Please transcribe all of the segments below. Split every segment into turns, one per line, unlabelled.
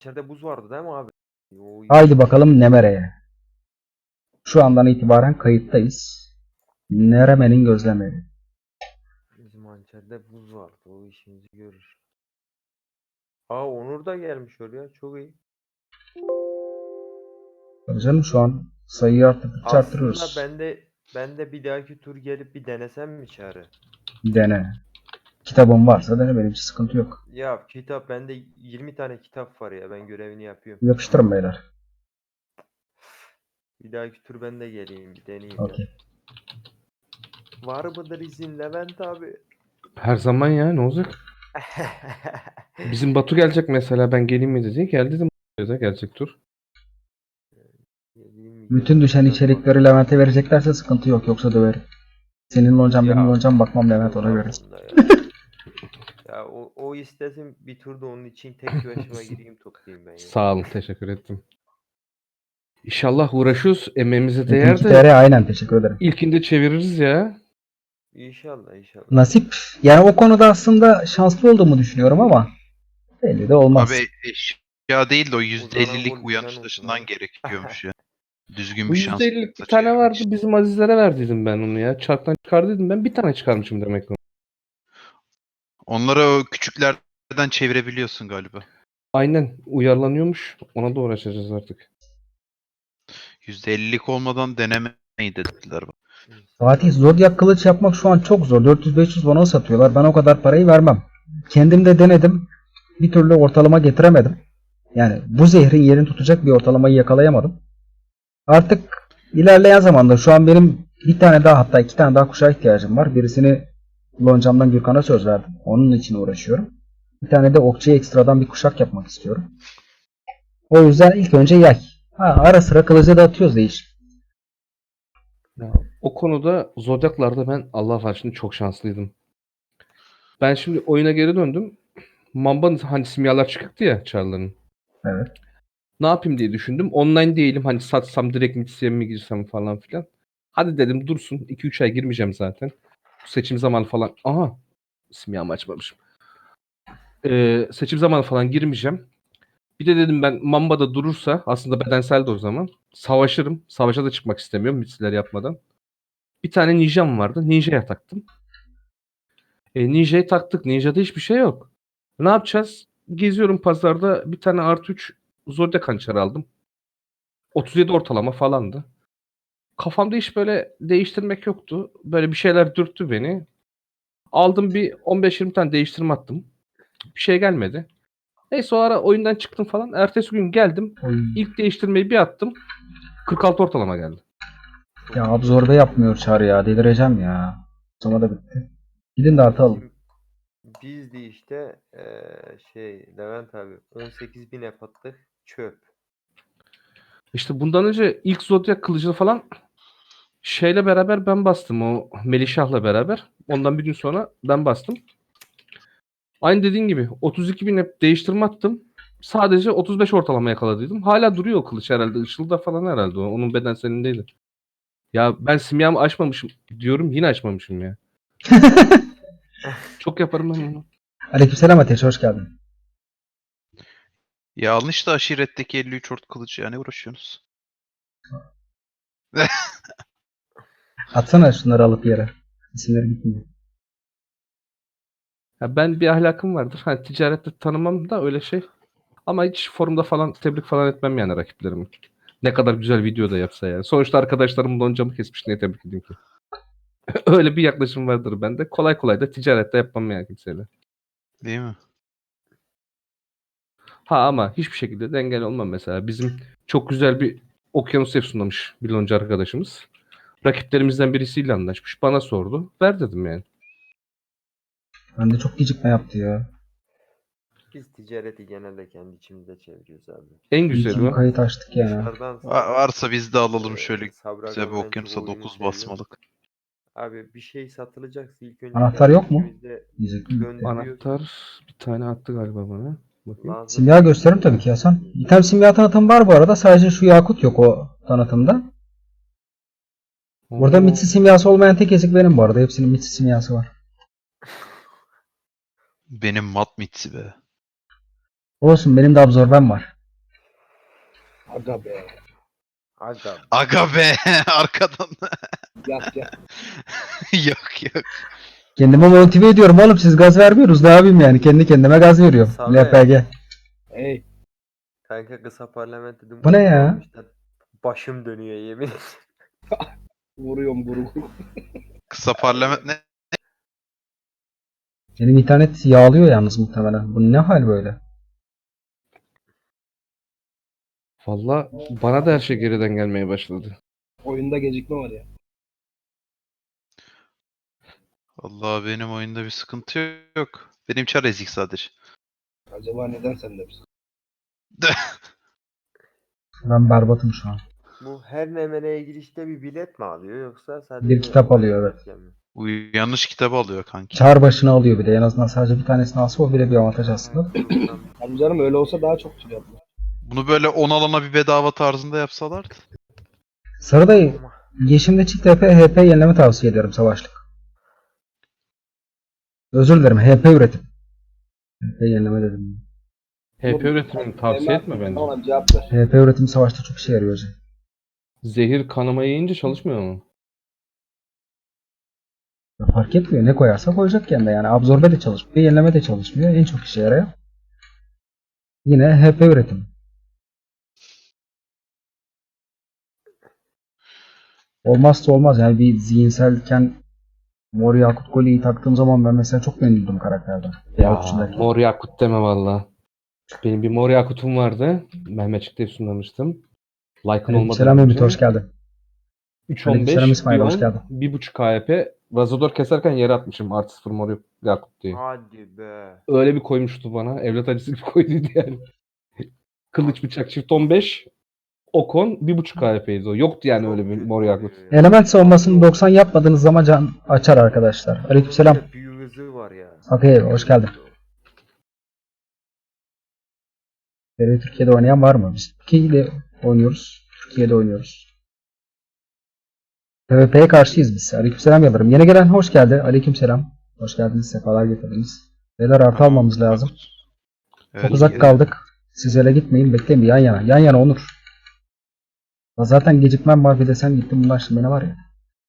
İçeride buz vardı değil mi abi? Yo,
Haydi bakalım Nemere'ye. Şu andan itibaren kayıttayız. Nereme'nin gözlemleri.
bizim hançerde buz vardı. O işimizi görür. Aa, Onur da gelmiş oraya. Çok iyi.
Tabii canım şu an sayıyı arttırdıkça
Aslında
arttırıyoruz.
ben de bir dahaki tur gelip bir denesem mi çare?
Dene. Kitabın varsa dene, benim için sıkıntı yok.
Ya kitap bende 20 tane kitap var ya. Ben görevini yapıyorum.
Yapıştırın beyler.
Bir dahaki tur ben de geleyim bir deneyeyim ya.
Okey.
Var mıdır izin Levent abi?
Her zaman ya, ne olacak? Bizim Batu gelecek mesela, ben geleyim mi dedi. Gel dedim. Gelecek tur.
Geleyim mi
Bütün düşen
gelmeyeyim mi?
içerikleri Levent'e vereceklerse sıkıntı yok, yoksa döverim. Senin loncam benim
Ya
loncam, bakmam Levent, ona
olmaz
göre.
onda ya. Ya o istesin bir turda onun için tek başıma gireyim toplayayım ben ya.
Sağ olun, teşekkür ettim. İnşallah uğraşıyoruz. Emeğimize değer
22
de
TR, aynen, teşekkür ederim.
ilkinde çeviririz ya.
İnşallah inşallah.
Nasip. Yani o konuda aslında şanslı olduğumu düşünüyorum ama belli de olmaz.
Abi eşya değil de o
Uzanan
%50'lik
gol
uyanış
bizden olsun
taşından
abi.
gerekiyormuş ya. Düzgün
Bu
bir şans
%50'lik bir tane
çevirmek
vardı.
için.
Bizim Azizlere verdiydim ben onu ya. Çarktan çıkardıydım. Ben bir tane çıkarmışım demek ki.
Onları o küçüklerden çevirebiliyorsun galiba.
Aynen, uyarlanıyormuş. Ona da uğraşacağız artık.
%50'lik olmadan denemeyi dediler bana.
Fatih,
İnsanlar
Zodiac kılıç yapmak şu an çok zor. 400-500 bana satıyorlar. Ben o kadar parayı vermem. Kendim de denedim. Bir türlü ortalama getiremedim. Yani bu zehrin yerini tutacak bir ortalamayı yakalayamadım. Artık ilerleyen zamanda şu an benim bir tane daha, hatta iki tane daha kuşağa ihtiyacım var. Birisini loncamdan Gürkan'a söz verdim. Onun için uğraşıyorum. Bir tane de okçuya ekstradan bir kuşak yapmak istiyorum. O yüzden ilk önce yay. Ara sıra kılıcı da atıyoruz değiş.
Ya, o konuda Zodyaklar'da ben Allah var şimdi çok şanslıydım. Ben şimdi oyuna geri döndüm. Mamba'nın hani simyalar çıktı ya Char'ların.
Evet.
Ne yapayım diye düşündüm. Online değilim. Hani satsam direkt Mitsi'ye mi girsem falan filan. Hadi dedim dursun. 2-3 ay girmeyeceğim zaten. Bu seçim zamanı falan. Aha. Simyamı açmamışım. Seçim zamanı falan girmeyeceğim. Bir de dedim ben Mamba'da durursa aslında bedensel de o zaman. Savaşırım. Savaşa da çıkmak istemiyorum Mitsi'ler yapmadan. Bir tane ninjam vardı. Ninja'ya taktım. Ninja'yı taktık. Ninja'da hiçbir şey yok. Ne yapacağız? Geziyorum pazarda. Bir tane artı 3 Zodiac hançeri aldım. 37 ortalama falandı. Kafamda hiç böyle değiştirmek yoktu. Böyle bir şeyler dürttü beni. Aldım bir 15-20 tane değiştirme attım. Bir şey gelmedi. Neyse o ara oyundan çıktım falan. Ertesi gün geldim.
Oy.
İlk değiştirmeyi bir attım. 46 ortalama geldi.
Ya absorbe yapmıyor çağrı ya. Delireceğim ya. Sonra da bitti. Gidin de artı alın.
Biz de işte Levent abi 18.000 F attık. Çöp.
İşte bundan önce ilk Zodiac kılıcını falan şeyle beraber ben bastım. O Melişah'la beraber. Ondan bir gün sonra ben bastım. Aynı dediğin gibi 32.000 hep değiştirme attım. Sadece 35 ortalama yakaladıydım. Hala duruyor o kılıç herhalde. Işıl'da falan herhalde o. Onun bedenselindeydi. Ya ben simyamı açmamışım diyorum, yine açmamışım ya. Çok yaparım ben onu.
Aleykümselam Ateş, hoş geldin.
Ya alın işte aşiretteki 53 ort kılıcı ya, ne uğraşıyorsunuz?
Atsana şunları alıp yere. İsimleri gitmiyor.
Ya ben bir ahlakım vardır. Hani ticarette tanımam da öyle şey. Ama hiç forumda falan tebrik falan etmem yani rakiplerimi. Ne kadar güzel video da yapsa yani. Sonuçta arkadaşlarım loncamı kesmiş, niye tebrik edeyim ki? Öyle bir yaklaşım vardır bende. Kolay kolay da ticarette yapmam yani kimseyle.
Değil mi?
Ha ama hiçbir şekilde dengeli olmam mesela. Bizim çok güzel bir okyanus efsunlamış bir lonca arkadaşımız. Rakiplerimizden birisiyle anlaşmış. Bana sordu. Ver dedim yani.
Bende çok gecikme yaptı ya.
Biz ticareti genelde kendi içimizde çeviriyoruz abi.
En
İyi
güzeli
ki bir
o.
kayıt açtık ya.
Dışarıdan
Varsa biz de alalım şöyle
Sabri
güzel
Aga
bir
ben çok
okyanusa
oyunu
9
seviyor.
basmalık.
Abi bir şey satılacaksa ilk önce
Anahtar
kendi
yok mu?
içimizde
Diyecektim.
gönderiyoruz.
Anahtar bir tane attı galiba bana. Bakayım.
Lazım
Simya
mı
gösteririm tabii ki Hasan. İtem simya tanıtım var bu arada. Sadece şu yakut yok o tanıtımda. Burada
Oo,
mitsi simyası olmayan tek ezik benim bu arada. Hepsinin mitsi simyası var.
Benim mat mitsi be.
Olsun benim de absorbem var.
Aga be.
Aga.
Aga be arkadan.
Yat yat.
Yok yok.
Kendime motive ediyorum oğlum, siz gaz vermiyoruz, ne yapayım yani, kendi kendime gaz veriyorum.
Sana
LPG.
Hey.
Kanka kısa parlamento dedim.
Bu ne ya?
Başım dönüyor yemin ederim.
Vuruyorum guru.
Kısa parlament ne?
Benim internet yağlıyor yalnız muhtemelen. Bu ne hal böyle?
Valla bana da her şey geriden gelmeye başladı. Oyunda gecikme var ya.
Allah benim oyunda bir sıkıntı yok. Benim çar ezik sadece.
Acaba neden sende bir
Ben berbatım şu an.
Bu her MMR'ye girişte bir bilet mi alıyor yoksa sadece
Bir kitap alıyor, evet.
mi?
Bu yanlış kitabı alıyor kanki.
Çağır başına alıyor bir de. En azından sadece bir tanesini alsa o bile bir avantaj aslında.
Tabii canım öyle olsa daha çok tür yapılır.
Bunu böyle 10 alana bir bedava tarzında yapsalardı.
Sarı dayı, Yeşim'de çift HP yenileme tavsiye ederim savaşlık. Özür dilerim, HP üretim. HP yenileme dedim.
HP üretimini tavsiye etme bence.
Ona cevap ver.
HP üretim savaşta çok işe yarıyor hocam.
Zehir kanamayı yiyince çalışmıyor mu?
Ya fark etmiyor, ne koyarsa koyacak kendine yani. Absorbe de çalışmıyor, yenileme de çalışmıyor. En çok işe yarıyor. Yine HP üretim. Olmazsa olmaz yani, bir zihinselken Mor Yakut Kolye'yi taktığım zaman ben mesela çok memnundum karakterden.
Ya
içindeki.
mor yakut deme valla. Benim bir mor yakutum vardı. Mehmetçik'te sunlamıştım. Like'ın olmadan
Selam
önce.
Ümit, hoş geldin.
3.15,
Aleykümselam İsmail, hoş
1.10,
geldin.
1.5 KP. Razador keserken yere atmışım. Artı 0 mor yakut diye.
Hadi be.
Öyle bir koymuştu bana. Evlat acısı gibi koyduydu yani. Kılıç bıçak çift 15. Okon 1.5 KP'ydi o. Yoktu yani
Çok
öyle bir
kötü
mor yakut.
oluyor ya.
Element savunmasını 90 yapmadığınız zaman can açar arkadaşlar. Aleykümselam.
Bir de büyü hızı var ya.
Okey, hoş geldin. Türkiye'de oynayan var mı? Biz Türkiye'de oynuyoruz. Türkiye'de oynuyoruz. PvP'ye karşıyız biz. Aleykümselam Yıldırım. Yeni gelen hoş geldi. Aleykümselam. Hoş geldiniz. Sefalar getirdiniz. Beyler artı almamız lazım.
Evet,
Çok uzak
iyi.
kaldık. Siz öyle gitmeyin. Bekleyin bir yan yana. Yan yana Onur. Ya zaten gecikmem var. Bir de sen gittin. Bunlar şimdi ne var ya.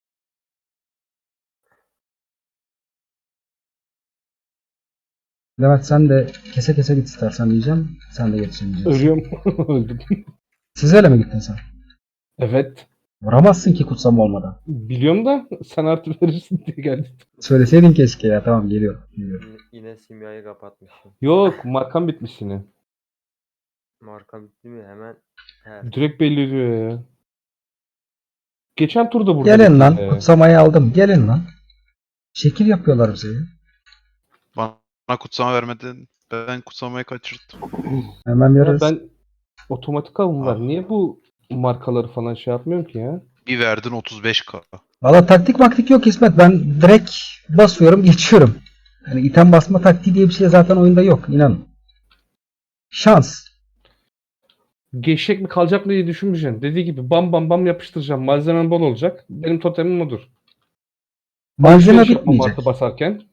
Levent sen de kese kese git istersen diyeceğim. Sen de yetişemeyeceksin.
Ölüyorum. Öldüm.
Siz öyle mi gittin sen?
Evet.
Vuramazsın ki kutsama olmadan.
Biliyorum da sen artı verirsin diye geldim.
Söyleseydin keşke ya. Tamam, geliyorum. Geliyorum.
Yine simyayı kapatmışım.
Yok markam bitmiş yine.
Marka bitti mi hemen. Her.
Direkt belli ediyor ya. Geçen turda burada
Gelin
bitti
lan.
ya.
Kutsamayı aldım. Gelin lan. Şekil yapıyorlar bize ya.
Bana kutsama vermedin. Ben kutsamayı kaçırdım.
Hemen
Ya
yarız.
ben otomatik alım var.
Ah.
Niye bu markaları falan şey yapmıyorum ki ya?
Bir verdin 35k.
Valla taktik maktik yok İsmet. Ben direkt basıyorum geçiyorum. Yani item basma taktiği diye bir şey zaten oyunda yok. İnanın. Şans.
Geçecek mi kalacak mı diye düşünmeyeceksin. Dediği gibi bam bam bam yapıştıracağım. Malzemem bol olacak. Benim totemim odur.
Malzeme
Alışveriş yapmam
bitmeyecek.
artı basarken.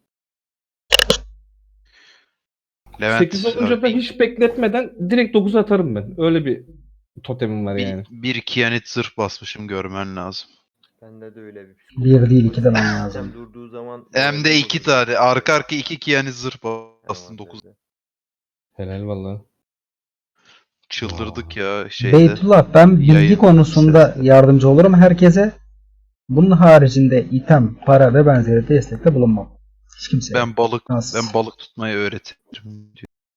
Levent
8 olunca da hiç bekletmeden direkt 9 atarım ben. Öyle bir totemim var yani.
bir kiyanit zırh basmışım görmen lazım.
Bende de öyle bir
Bir değil, iki demen
Sen
lazım.
durduğu zaman
Hem de 2 tane. Arka arka 2 kiyanit zırh bastın
Tamam,
9.
dedi.
Helal valla.
Çıldırdık ya
Beytullah, ben bilgi
yayın
konusunda
sesinde.
yardımcı olurum herkese. Bunun haricinde item, para ve benzeri destekte bulunmam. Hiç kimseye.
Ben
Şanssız.
balık tutmayı öğretirim.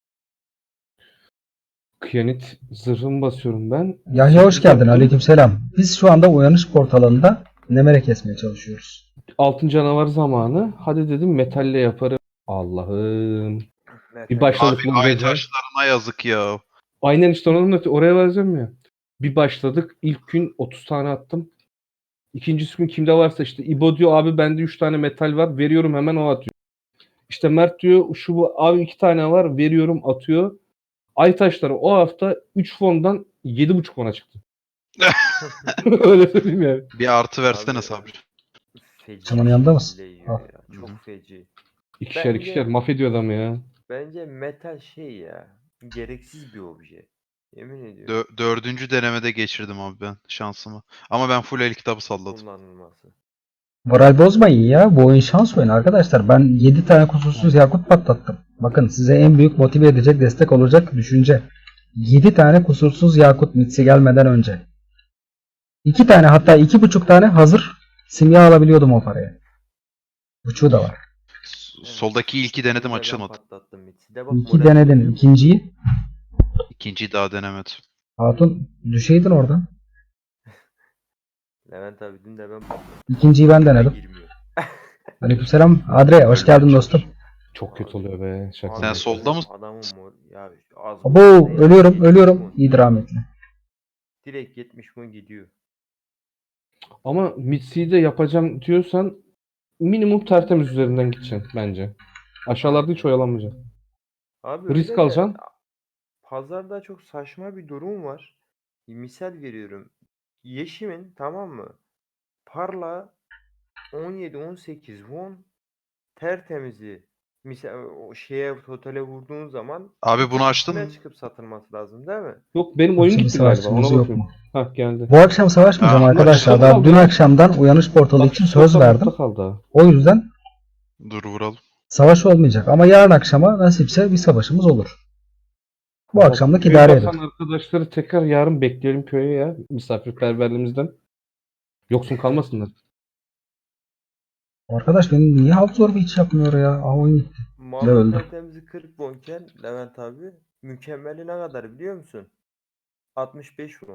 Kıyanit zırhımı basıyorum ben.
Yahya hoş
Sekiz
geldin.
yaptım.
Aleykümselam. Biz şu anda uyanış portalında nemere kesmeye çalışıyoruz.
Altın canavar zamanı. Hadi dedim metalle yaparım. Allah'ım.
Metal.
Bir başladık
Abi
bu
ay
gece.
taşlarına yazık ya.
Aynen işte oraya vereceğim ya. Bir başladık. İlk gün 30 tane attım. İkincisi gün kimde varsa işte İbo diyor abi bende 3 tane metal var. Veriyorum hemen o atıyor. İşte Mert diyor şu bu abi 2 tane var. Veriyorum atıyor. Ay taşları o hafta 3 fondan 7,5 fona çıktı. Öyle söyleyeyim yani.
Bir artı versene
Abi,
Sabri.
Feci
Çamanın yanında mısın?
şekilde yiyor
Al.
ya. Çok feci.
İkişer
Bence-
ikişer mahvediyor adamı ya.
Bence metal şey ya. Gereksiz bir obje. Yemin ediyorum.
Dördüncü denemede geçirdim abi ben şansımı. Ama ben full el kitabı salladım.
Kullanılması.
Moral bozmayın ya. Bu oyun şans oyunu arkadaşlar. Ben 7 tane kusursuz yakut patlattım. Bakın size en büyük motive edecek, destek olacak düşünce. 7 tane kusursuz yakut mitsi gelmeden önce. 2 tane, hatta 2,5 tane hazır simya alabiliyordum o paraya. Buçuğu da var.
Soldaki ilki denedim,
İkisini de ben
açılmadı.
patlattım Mitsi de bak,
İki
moral
denedin.
bozuyor mu?
İkinciyi
İkinciyi daha denemedim.
Hatun düşeydin oradan.
Levent abi dün de ben patlattım.
İkinciyi ben denedim.
Girmiyor.
Aleykümselam. Adre hoş geldin dostum.
Çok kötü oluyor be. Şaka
Abi,
Sen
maka.
solda mısın?
Adamın ya az
Abo
ne
ölüyorum
70
ölüyorum.
won.
İyidir rahmetli.
Direkt 70 won gidiyor.
Ama Mitsi'yi de yapacağım diyorsan minimum tertemiz üzerinden gideceksin bence. Aşağılarda hiç oyalanmayacaksın.
Abi
Risk
öyle de
alacaksın.
pazarda çok saçma bir durum var. Bir misal veriyorum. Yeşim'in, tamam mı? Parla 17-18 won tertemizi. Misal o şeye, totale vurduğun zaman
Abi
bir
bunu
tık
açtın
üstüne
mı?
çıkıp satılması lazım değil mi?
Yok benim oyun
Şimdi
gitti galiba. Ona
savaşçımız yok
bakıyorum.
mu?
Hah geldi.
Bu akşam savaşmayacağım
Ha,
arkadaşlar.
açtım
Daha
kaldı
dün
ya.
akşamdan uyanış portalı için söz verdim.
Kaldı ha.
O yüzden
Dur vuralım.
savaş olmayacak. Ama yarın akşama nasipse bir savaşımız olur. Bu
Ama
akşamlık
köye
idare
bakan
edin.
arkadaşları tekrar yarın bekleyelim köye ya. Misafirperverliğimizden. Yoksun kalmasınlar.
Arkadaş benim niye halk zor bir hiç yapmıyor ya? Aa, oyun gitti. Ne
Malın
öldü?
tertemizi 40 wonken Levent abi, mükemmeli ne kadar biliyor musun? 65 won.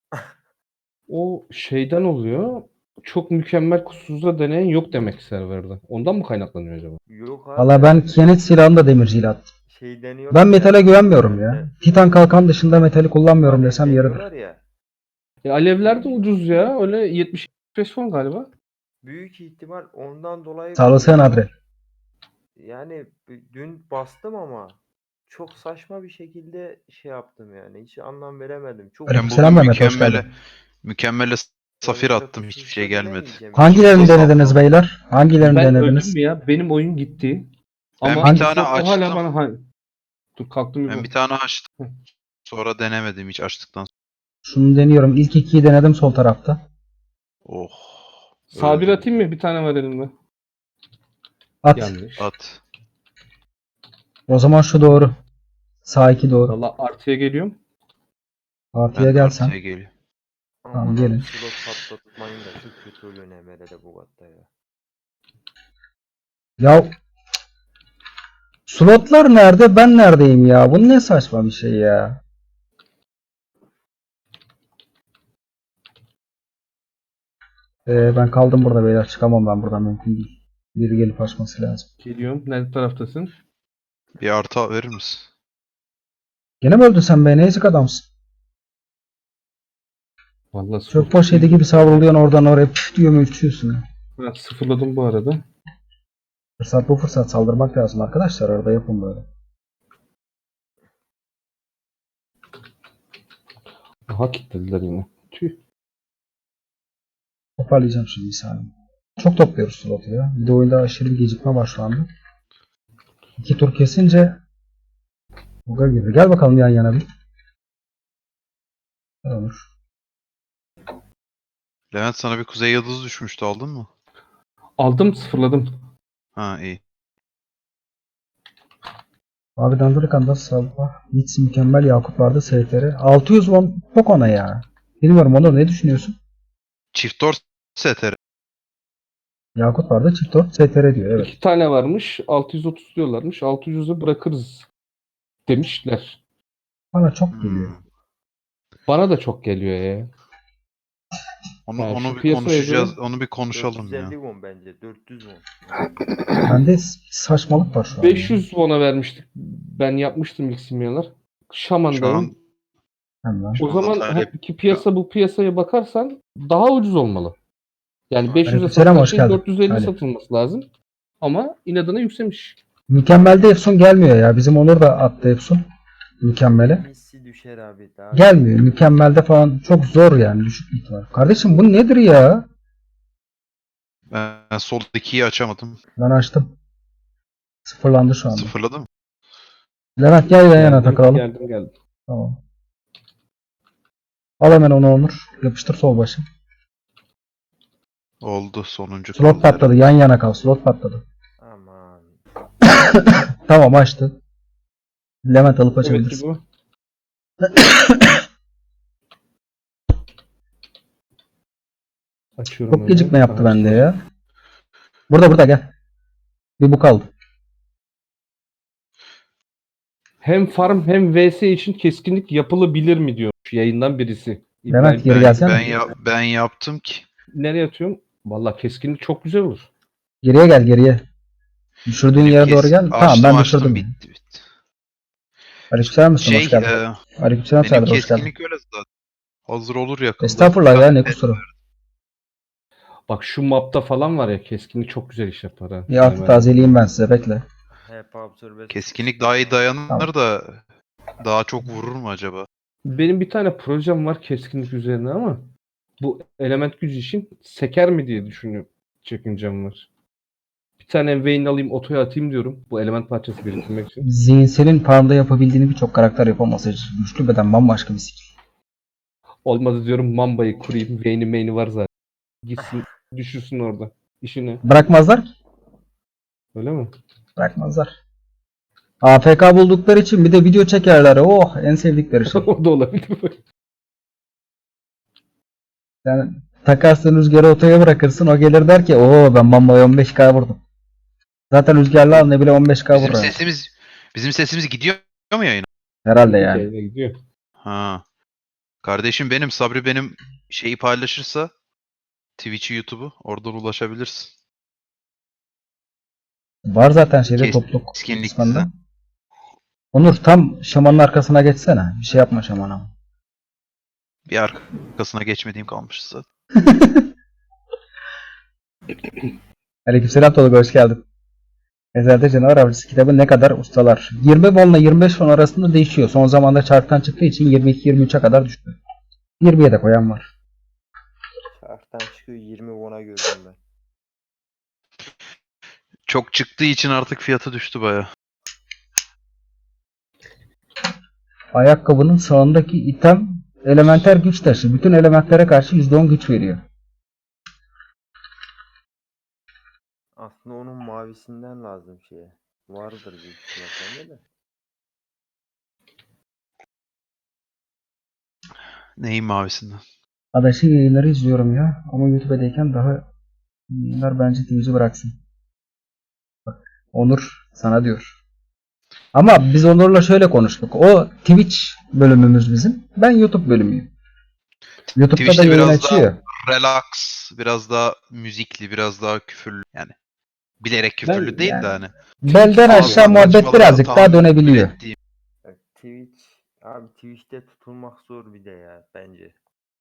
O şeyden oluyor. Çok mükemmel kusursuzda deneyen yok demek serverde. Ondan mı kaynaklanıyor acaba?
Yok abi,
Valla ben kenet silahını da demirciyle attım.
şey deniyorlar
Ben
ya,
metale güvenmiyorum ya.
internette.
Titan kalkan dışında metali kullanmıyorum
Alev
desem yeridir.
deniyorlar ya.
Alevler de ucuz ya. Öyle 75 fon galiba.
Büyük ihtimal ondan dolayı
Sağ olasın
kullanıyor.
Adre.
Yani dün bastım ama çok saçma bir şekilde şey yaptım yani. Hiç anlam veremedim. Çok
Ben
Aleykümselam
bugün
Mehmet, hoş geldin.
mükemmele safir
sonuçta
attım. Hiçbir şey
kusursuzda
gelmedi.
denemeyeceğim.
Hangilerini
Kusursuz
denediniz
aldım.
beyler? Hangilerini
Ben öldüm
denediniz?
mü ya? Benim oyun gitti.
Ben
Ama
bir tane
o hala
açtım.
bana dur kalktım
Ben
bir
bir tane açtım. Sonra denemedim hiç açtıktan sonra.
Şunu deniyorum. İlk ikiyi denedim sol tarafta.
Oh.
Sabir
öldüm.
atayım mı? Bir tane var elimde.
At.
Yanlış.
At.
O zaman şu doğru. Sağ 2 doğru.
Valla artıya geliyorum.
Artıya
Ben de
gelsen.
artıya geliyor.
Tamam,
Aman
gelin.
abi, slot patlatmayın da çok kötü oluyor NMR'de bu katta ya.
Ya slotlar nerede? Ben neredeyim ya? Bu ne saçma bir şey ya. Ben kaldım burada beyler. Çıkamam ben buradan, mümkün değil. Biri gelip açması lazım.
Geliyorum. Nerede taraftasın?
Bir artı verir misin?
Gene mi öldün sen be? Ne ezik adamsın.
Vallahi
Çok boş yedi gibi savruluyorsun oradan oraya. Püf diyor mu uçuyorsun ya.
Ha, sıfırladım bu arada.
Fırsat bu fırsat, saldırmak lazım arkadaşlar. Arada yapın böyle.
Aha kilitlediler yine. Tüh.
Toparlayacağım şimdi bir saniye. Çok topluyoruz slotu ya. Bir de oyunda aşırı bir gecikme başlandı. 2 tur kesince buga girdi. Gel bakalım yan yana bir. Ne olur.
Levent sana bir kuzey yıldızı düşmüştü, aldın mı?
Aldım sıfırladım.
Ha iyi.
Abi Dandırıkan'da sabah Nits mükemmel Yakut vardı STR. 600 won çok ona ya. Bilmiyorum, Onur ne düşünüyorsun?
Çift dört STR.
Yakut vardı, çift 4 STR diyor, evet.
2 tane varmış. 630 diyorlarmış. 600'ü bırakırız demişler.
Bana çok geliyor.
Hmm.
Bana da çok geliyor ya.
Onu,
Yani şu
onu bir
piyasaya
konuşacağız.
göre
Onu bir konuşalım
450
ya.
won bence. 400 won.
Bende saçmalık var şu an.
500 won'a vermiştik. Ben yapmıştım ilk simyalar.
Şu
Şaman'dayım.
an
Hemen.
Şu
O
anda
zaman
talep-
ki piyasa bu piyasaya bakarsan daha ucuz olmalı. Yani 500'e
Aleykümselam,
satılan
hoş
şey
geldin.
450
Ali.
satılması lazım. Ama inadına yükselmiş.
Mükemmelde Efsun gelmiyor ya. Bizim Onur da attı Efsun. Mükemmele.
Missi düşer abi. Daha
Gelmiyor. Mükemmelde falan çok zor yani. Düşük ihtimal. Kardeşim bu nedir ya?
ben soldakiyi açamadım.
Ben açtım. Sıfırlandı şu anda.
Sıfırladım.
Levent gel yan yana
Geldim,
takılalım.
geldim.
Tamam. Al hemen onu Onur. Yapıştır sol başı.
Oldu sonuncu
Slot
kaldı
patladı.
herhalde.
Yan yana kal. Slot patladı.
Aman.
Tamam açtı. Levent alıp
Evet
açabilirsin.
bu. Açıyorum
Çok gecikme
hemen.
yaptı bende ya. Burada gel. Bir bu kaldı.
Hem farm hem vs için keskinlik yapılabilir mi diyor yayından birisi.
Levent, geri
İbrahim,
gelsene.
Ben yaptım ki.
nereye atıyorum? Vallahi keskinlik çok güzel olur.
Geriye gel geriye. Düşürdüğün
Benim
yere doğru gel. Tamam ben
açtım
düşürdüm.
bitti.
Aleykümselam Müslüm, hoş
Şey
geldin. Aleykümselam
benim
Serdar, hoş geldin.
keskinlik öyle zaten. Hazır olur yakında.
Estağfurullah ya, ne kusuru.
Bak şu mapta falan var ya keskinlik çok güzel iş yapar ha.
Bir altı tazeleyeyim ben size, bekle.
Hep absorbe.
Keskinlik daha iyi dayanır
Tamam.
da daha çok vurur mu acaba?
Benim bir tane projem var keskinlik üzerine ama bu element gücü için seker mi diye düşünüyorum. Çekincem var. Bir tane Vayne alayım otoya atayım diyorum. Bu element parçası biriktirmek için.
Zihinsel'in farmda yapabildiğini birçok karakter yapamaz. Güçlü beden bambaşka bir skill.
Olmadı diyorum Mamba'yı kurayım. Vayne'i main'i var zaten. Gitsin düşürsün orada. İşine.
Bırakmazlar ki.
Öyle mi?
Bırakmazlar. AFK buldukları için bir de video çekerler. Oh, en sevdikleri şey.
O da olabilir.
Yani takarsın rüzgarı otoya bırakırsın, o gelir der ki ooo ben Mamba'ya 15k vurdum. Zaten rüzgarlı al ne bile 15k
Bizim
vurur.
sesimiz gidiyor mu yayına?
Herhalde yani.
Yayına gidiyor.
Ha. Kardeşim benim Sabri benim şeyi paylaşırsa Twitch'i YouTube'u oradan ulaşabilirsin.
Var zaten şeyde
Kes-
topluluk
keskinlik
kısmında.
bize.
Onur tam şamanın arkasına geçsene. Bir şey yapma şamana.
Bir arkasına geçmediğim kalmış zaten.
Aleykümselam Tolga, hoş geldin. Ezelde Canavar Avcısı kitabı ne kadar ustalar? 20 won ile 25 won arasında değişiyor. Son zamanda çarktan çıktığı için 22-23'e kadar düştü. 20'ye de koyan var.
Şarktan çıkıyor 20 won'a gördüm ben.
Çok çıktığı için artık fiyatı düştü baya.
Ayakkabının sağındaki item elementer güç taşı. Bütün elementlere karşı %10 güç veriyor.
Aslında onun mavisinden lazım şeye. Vardır büyük ihtimalle de.
Neyin mavisinden?
Adaş'ın yayınları izliyorum ya. Ama YouTube'dayken daha yayınlar bence Twitch'i bıraksın. Bak, Onur sana diyor. Ama biz Onur'la şöyle konuştuk. O Twitch bölümümüz bizim. Ben YouTube bölümüyüm. YouTube'da da
Twitch'te
yayın
biraz daha
açıyor.
relax, biraz daha müzikli, biraz daha küfürlü yani. Bilerek küfürlü değil
yani-
de hani.
Belden
Ağzından
aşağı muhabbet
saçmalığa
birazcık daha
tahammül
dönebiliyor.
ettiğim.
Bak, Twitch'te tutulmak zor bir de ya bence.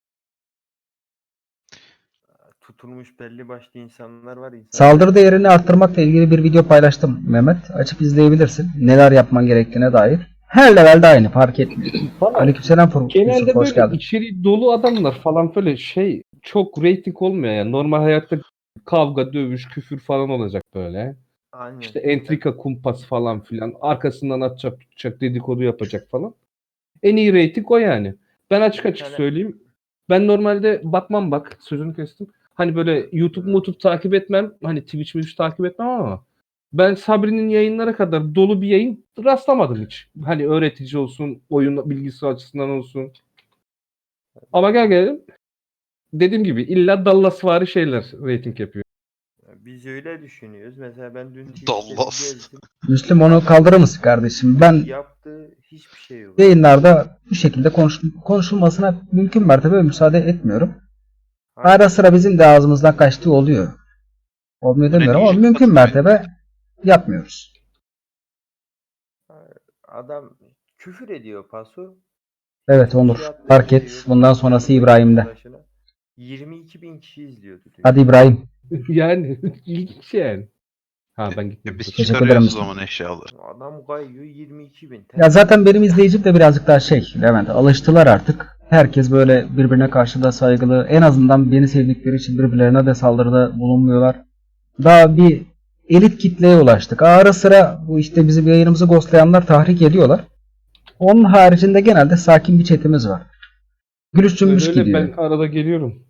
Tutulmuş belli başlı insanlar var.
Saldırı değerini arttırmakla ilgili bir video paylaştım Mehmet. Açıp izleyebilirsin. Neler yapman gerektiğine dair. Her levelde aynı, fark etmiyor. Aleykümselam Yusuf,
Genelde
hoş
böyle
geldin.
içeriği dolu adamlar falan böyle şey çok reyting olmuyor yani. Normal hayatta kavga, dövüş, küfür falan olacak böyle.
Aynen.
İşte entrika, kumpas falan filan. Arkasından atacak, tutacak, dedikodu yapacak falan. En iyi reyting o yani. Ben açık açık
Yani-
söyleyeyim. Ben normalde bakmam bak. Sözünü kestim. Hani böyle YouTube takip etmem. Hani Twitch takip etmem ama ben Sabri'nin yayınlara kadar dolu bir yayın rastlamadım hiç. Hani öğretici olsun, oyun bilgisi açısından olsun. Ama gel gelelim. Dediğim gibi illa Dallasvari şeyler reyting yapıyor.
Biz öyle düşünüyoruz. Mesela ben dün
Dallas.
gezdim.
Müslüm, onu kaldırır mısın kardeşim? Ben
Yaptığı hiçbir şey yok.
yayınlarda bu şekilde konuşulmasına mümkün mertebe müsaade etmiyorum.
Aynen.
Ara sıra bizim de ağzımızdan kaçtığı oluyor. Olmuyor demiyorum ama mümkün mertebe yapmıyoruz.
Adam küfür ediyor paso.
Evet Onur,
Şey yaptığı
fark
şey
et.
yok.
Bundan sonrası İbrahim'de.
22.000 kişi izliyordu. dün.
Hadi İbrahim.
Yani ilginç yani. Ha ben gittim.
Biz
Teşekkür
çıkarıyoruz o
ederim.
zaman eşyaları.
Adam kayıyor 22.000.
Ya zaten benim izleyicim de birazcık daha Levent, alıştılar artık. Herkes böyle birbirine karşı da saygılı. En azından beni sevdikleri için birbirlerine de saldırıda bulunmuyorlar. Daha bir elit kitleye ulaştık. Ara sıra bu işte bizim yayınımızı ghostlayanlar tahrik ediyorlar. Onun haricinde genelde sakin bir chatimiz var. Gülüş cümbüş
Öyle
gidiyor.
ben arada geliyorum.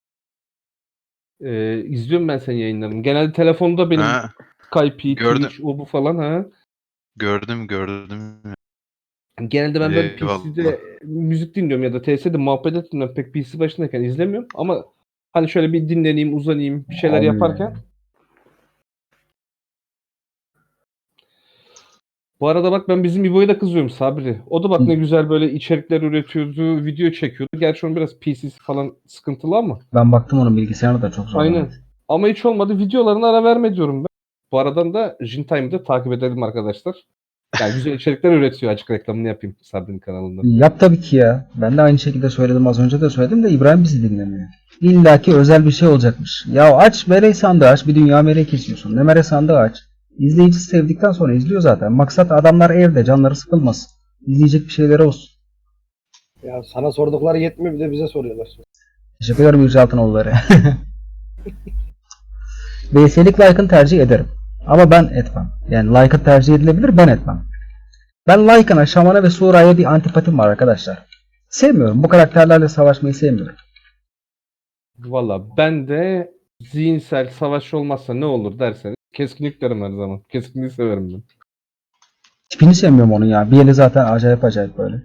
İzliyorum ben senin yayınlarını. Genelde telefonda benim
Ha,
Skype,
gördüm.
Twitch, o bu falan ha.
gördüm.
Genelde ben böyle
Eyvallah.
PC'de müzik dinliyorum ya da TS'de muhabbet ettiğimden pek PC başındayken izlemiyorum ama hani şöyle bir dinleneyim, uzanayım, bir şeyler
Abi,
yaparken. Bu arada bak ben bizim İbo'ya da kızıyorum Sabri. O da bak ne güzel böyle içerikler üretiyordu, video çekiyordu. Gerçi onun biraz PC'si falan sıkıntılı ama.
ben baktım onun bilgisayarı da çok zorlanıyor.
Aynen. Ama hiç olmadı videolarına ara verme diyorum ben. Bu aradan da Jintime'ı da takip edelim arkadaşlar. Yani güzel içerikler üretiyor. Açık reklamını yapayım Sabri'nin kanalında.
Yap tabii ki ya. Ben de aynı şekilde söyledim, az önce de söyledim de İbrahim bizi dinlemiyor. İlla ki özel bir şey olacakmış. Ya aç mere sandığı aç, bir dünya mere kesiyorsun. Ne mere sandığı aç. İzleyici sevdikten sonra izliyor zaten. Maksat adamlar evde, canları sıkılmasın. İzleyecek bir şeyleri olsun.
Ya sana sordukları yetmiyor, bir de bize soruyorlar.
Teşekkür ederim Yüce Altınoğulları. VS'lik like'ın tercih ederim. Ama ben etmem. Yani like'ın tercih edilebilir, ben etmem. Ben Lycan'a, Şaman'a ve Sura'ya bir antipatim var arkadaşlar. Sevmiyorum. Bu karakterlerle savaşmayı sevmiyorum.
Valla ben de zihinsel savaş olmazsa ne olur derseniz keskinlik derim her zaman. Keskinliği severim ben.
Tipini sevmiyorum onun ya. Bir eli zaten acayip acayip böyle.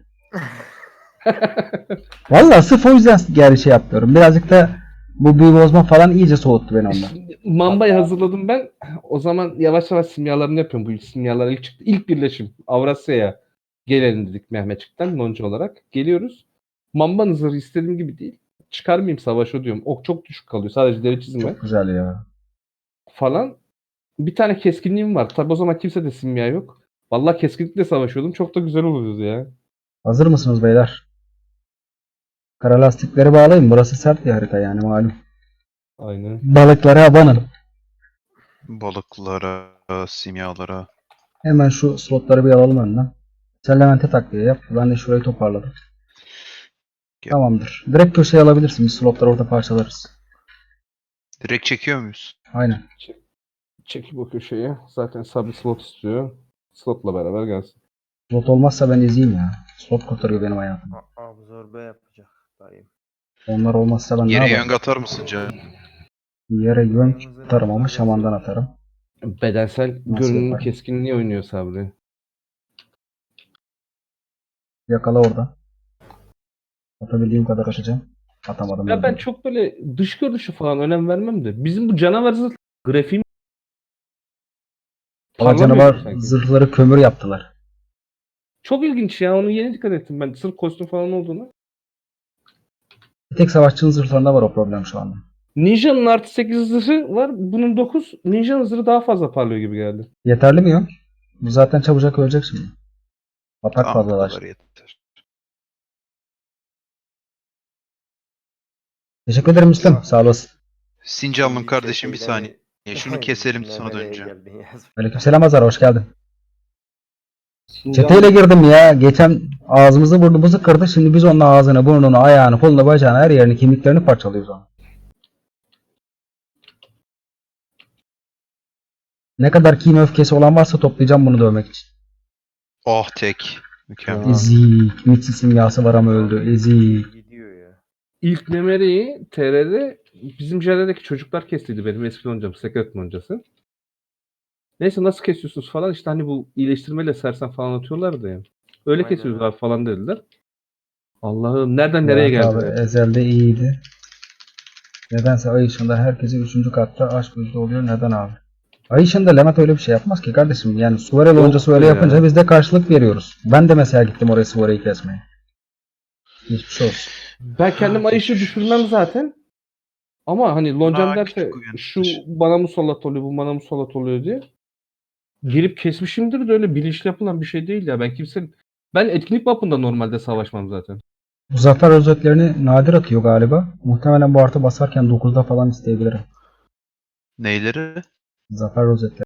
Valla sırf o yüzden geri şey yapıyorum. Birazcık da bu büyü bozma falan iyice soğuttu beni ondan.
Şimdi Mamba'yı hazırladım ben. O zaman yavaş yavaş simyalarını yapıyorum. Bu simyalar ilk çıktı. İlk birleşim Avrasya'ya gelelim dedik Mehmetçik'ten Lonca olarak. Geliyoruz. Mamba'nın zırhı istediğim gibi değil. Çıkarmayayım savaşı diyorum. Ok çok düşük kalıyor. Sadece deri çizme
Çok güzel ya.
falan. Bir tane keskinliğim var. Tabi o zaman kimse de simya yok. Vallahi keskinlikle savaşıyordum. Çok da güzel oluyordu ya.
Hazır mısınız beyler? Kara lastikleri bağlayın. Burası sert bir harita yani malum.
Aynen.
Balıklara abanın.
Balıklara, simyalara.
Hemen şu slotları bir alalım önden. Sen Levent'e takviye yap. Ben de şurayı toparladım.
Gel.
Tamamdır. Direkt köşeye alabilirsin. Biz slotları orada parçalarız.
Direkt çekiyor muyuz?
Aynen.
Çekip o köşeye. Zaten Sabri slot istiyor. Slotla beraber gelsin.
Slot olmazsa ben izleyeyim ya. Slot kurtarıyor benim hayatımı.
Absorbe yapacak dayım.
Onlar olmazsa ben ne
Yere
yaparım?
yöng atar mısın canım?
Yere güven atarım ama şamandan atarım.
Bedensel görünümün
yaparım?
keskinliği oynuyor Sabri.
Yakala orada. Atabildiğim kadar atacağım. Atamadım.
Ya ben
öldüm.
çok böyle dış görünüşü falan önem vermem de. Bizim bu canavar zırh grafiğim
Ama
parlamıyor
canavar
sanki.
zırhları kömür yaptılar.
Çok ilginç ya. Onu yeni dikkat ettim ben. Sırf kostüm falan olduğunu.
Bir tek savaşçının zırhlarında var o problem şu anda.
Ninja'nın artı 8 zırhı var. Bunun 9. Ninja'nın zırhı daha fazla parlıyor gibi geldi.
Yeterli mi yok? Bu zaten çabucak ölecek şimdi. Atak
Tamam, bu
fazlalaştı.
kadar yeter.
Teşekkür ederim Müslüm. Sağ olasın.
Sincanlım kardeşim bir saniye. Şunu keselim sonra
Nereye
döneceğim.
geldin ya?
Aleykümselam Azar, hoş geldin.
Sincan-
Çeteyle girdim ya. Geçen ağzımızı burnumuzu kırdı. Şimdi biz onun ağzını, burnunu, ayağını, kolunu, bacağını, her yerini, kemiklerini parçalıyoruz onu. Ne kadar kin öfkesi olan varsa toplayacağım bunu dövmek için.
Oh tek. Mükemmel.
Aa.
Ezik. Mitsi simyası var ama öldü. Ezik.
Gidiyor ya.
İlk Nemere'yi TR'de bizim JR'deki çocuklar kestiydi benim eski loncam. Secret loncası. Neyse nasıl kesiyorsunuz falan işte hani bu iyileştirmeyle sersen falan atıyorlardı ya. Öyle
Aynen
kesiyoruz
öyle.
abi falan dediler. Allah'ım nereden nereye
Murat
geldi?
abi ezelde iyiydi. Nedense ay ışığında herkese 3. katta aşk yüzde oluyor. Neden abi? Ay ışığında Levent öyle bir şey yapmaz ki kardeşim. Yani Suvare loncası öyle
ya.
yapınca biz de karşılık veriyoruz. Ben de mesela gittim oraya Suvare'yi kesmeye. Hiçbir şey olsun.
Ben kendim ay ışığı düşürmem zaten. Ama hani loncam
Daha
derse
küçük uyanıktır.
şu bana musallat oluyor, bu bana musallat oluyor diye. Girip kesmişimdir de öyle bilinçli yapılan bir şey değil ya. Ben etkinlik mapında normalde savaşmam zaten.
Bu zafer özetlerini nadir atıyor galiba. Muhtemelen bu artı basarken 9'da falan isteyebilirim.
Neyleri?
Zafer rozetleri.